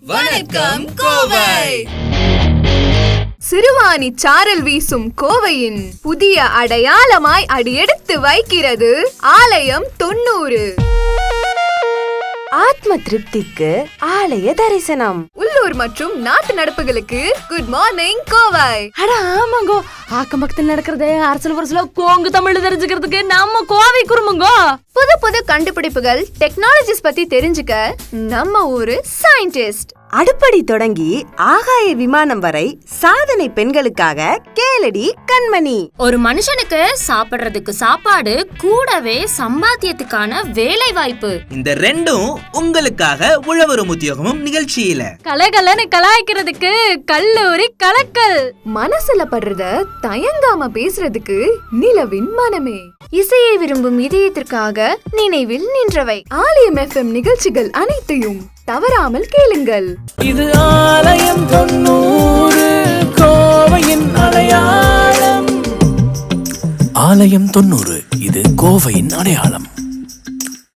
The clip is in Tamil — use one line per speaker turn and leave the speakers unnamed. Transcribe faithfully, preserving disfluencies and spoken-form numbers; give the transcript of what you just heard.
வணக்கம் கோவை.
சிறுவாணி சாரல் வீசும் கோவையின் புதிய அடையாளமாய் அடியெடுத்து வைக்கிறது ஆலயம் தொண்ணூறு.
ஆத்ம திருப்திக்கு ஆலய தரிசனம்.
உள்ளூர் மற்றும் நாட்டு நடப்புகளுக்கு குட் மார்னிங் கோவை.
அட ஆமாங்கோ, ஆக்கம் பக்கத்தில் நடக்கிறதே அரசல் வரசல கோங்கு தமிழ் தெரிஞ்சுக்கிறதுக்கு நம்ம கோவை குறுமுங்கோ.
புது புது கண்டுபிடிப்புகள் டெக்னாலஜிஸ் பத்தி தெரிஞ்சுக்க நம்ம ஊரு சயின்டிஸ்ட்.
அடுப்படி தொடங்கி ஆகாய விமானம் வரை சாதனை பெண்களுக்காக கேளடி கண்மணி.
ஒரு மனுஷனுக்கு சாப்பிடுறதுக்கு சாப்பாடு, கூடவே சம்பாத்தியத்துக்கான வேலை வாய்ப்பு,
இந்த ரெண்டும் உங்களுக்காக உழவரும் உத்தியோகமும் நிகழ்ச்சியில
கலகலன்னு கலாய்க்கிறதுக்கு கல்லூரி கலக்கல்,
மனசுல படுறத தயங்காம பேசுறதுக்கு நிலவின் மனமே,
இசையை விரும்பும் இதயத்திற்காக நினைவில் நின்றவை.
ஆலயம் எஃப்எம் நிகழ்ச்சிகள் அனைத்தையும் தவறாமல் கேளுங்கள்.
இது ஆலயம் தொண்ணூறு, கோவையின் அடையாளம். ஆலயம் தொண்ணூறு, இது கோவையின் அடையாளம்.